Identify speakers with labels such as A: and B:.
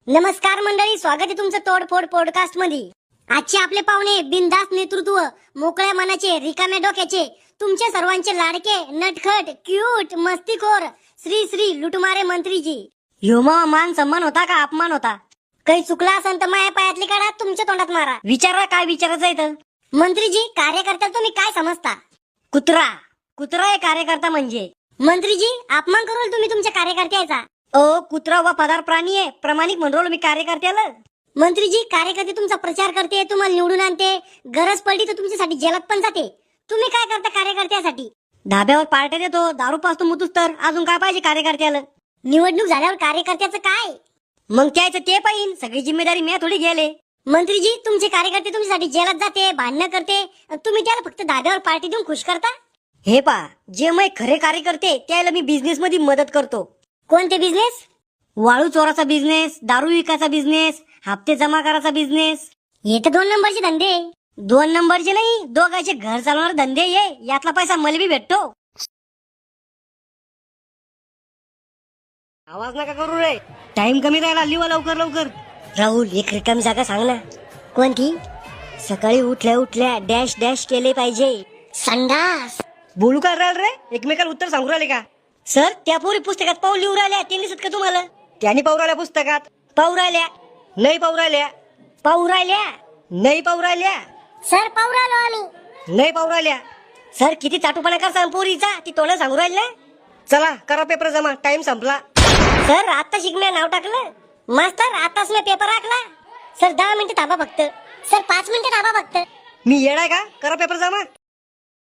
A: नमस्कार मंडळी, स्वागत आहे तुमचं तोडफोड पॉडकास्ट मध्ये। आजचे आपले पाहुणे बिनधास्त नेतृत्व, मोकळ्या मनाचे, रिकाम्या डोक्याचे, तुमचे सर्वांचे लाडके, नटखट, क्यूट, मस्तीखोर श्री श्री लुटमारे मंत्रीजी। ह्यो मान सन्मान होता का अपमान होता? काही चुकला असेल तर माया पायातली काढा, तुमच्या तोंडात मारा। विचारा काय विचारायचं आहे तर। मंत्रीजी, कार्यकर्त्याला तुम्ही काय समजता? कुत्रा कुत्रा आहे कार्यकर्ता म्हणजे। मंत्रीजी, अपमान करू तुम्ही तुमच्या कार्यकर्त्याचा। ओ कुत्रा व पदार प्राणी आहे, प्रामाणिक म्हणलो मी कार्यकर्त्याला। मंत्रीजी, कार्यकर्ते तुमचा प्रचार करते, तुम्हाला निवडून आणते, गरज पडली तर तुमच्यासाठी जेलात पण जाते। तुम्ही काय करता कार्यकर्त्यासाठी? धाब्यावर पार्ट्या देतो, दारू पाजतो, मुतूस तर अजून काय पाहिजे कार्यकर्त्याला? निवडणूक झाल्यावर कार्यकर्त्याचं काय? मग त्याचं ते पाहिजे, सगळी जिम्मेदारी मी थोडी गेले। मंत्रीजी, तुमचे कार्यकर्ते तुमच्यासाठी जेलात जाते, भांडणं करते, तुम्ही त्याला फक्त धाब्यावर पार्टी देऊन खुश करता। हे पा, जे मी खरे कार्यकर्ते त्याला मी बिझनेस मध्ये मदत करतो। कोणते बिझनेस? वाळू चोराचा बिझनेस, दारू विकायचा बिझनेस, हप्ते जमा करायचा बिझनेस। हे तर 2 नंबरचे धंदे। 2 नंबरचे नाही, दोघांचे घर चालवणारे धंदे ये, यातला पैसा मला बी भेटतो। आवाज नका करू रे, टाइम कमी राहिला, लिवा लवकर लवकर। राहुल, एक रिकामी जागा सांग ना। कोणती? सकाळी उठल्या उठल्या डॅश डॅश केले पाहिजे। संडास। बोलू का राहिल रे, एकमेकाला उत्तर सांगू राहिले का? सर, त्या पोरी पुस्तकात पाऊल लिहू राहिल्या, ते दिसत का तुम्हाला? त्यांनी पाहू राहिल्या पुस्तकात? पाहू राहिल्या नाही, पाहू राहिल्या, पाहू राहिल्या नाही, पाहू राहिल्या। सर, पाहू राहिलो आम्ही, नाही पाहू राहिल्या। सर, किती चाटूपणा करता पोरीचा, ती तोंड सांगू राहिल्या। चला करा पेपर जमा, टाइम संपला। सर, आता शिकण्या नाव टाकलं। मास्तर, आताच मी पेपर राखला। सर 10 मिनिटं थांबा फक्त। सर 5 मिनिटं थांबा फक्त। मी येडाय का? करा पेपर जमा।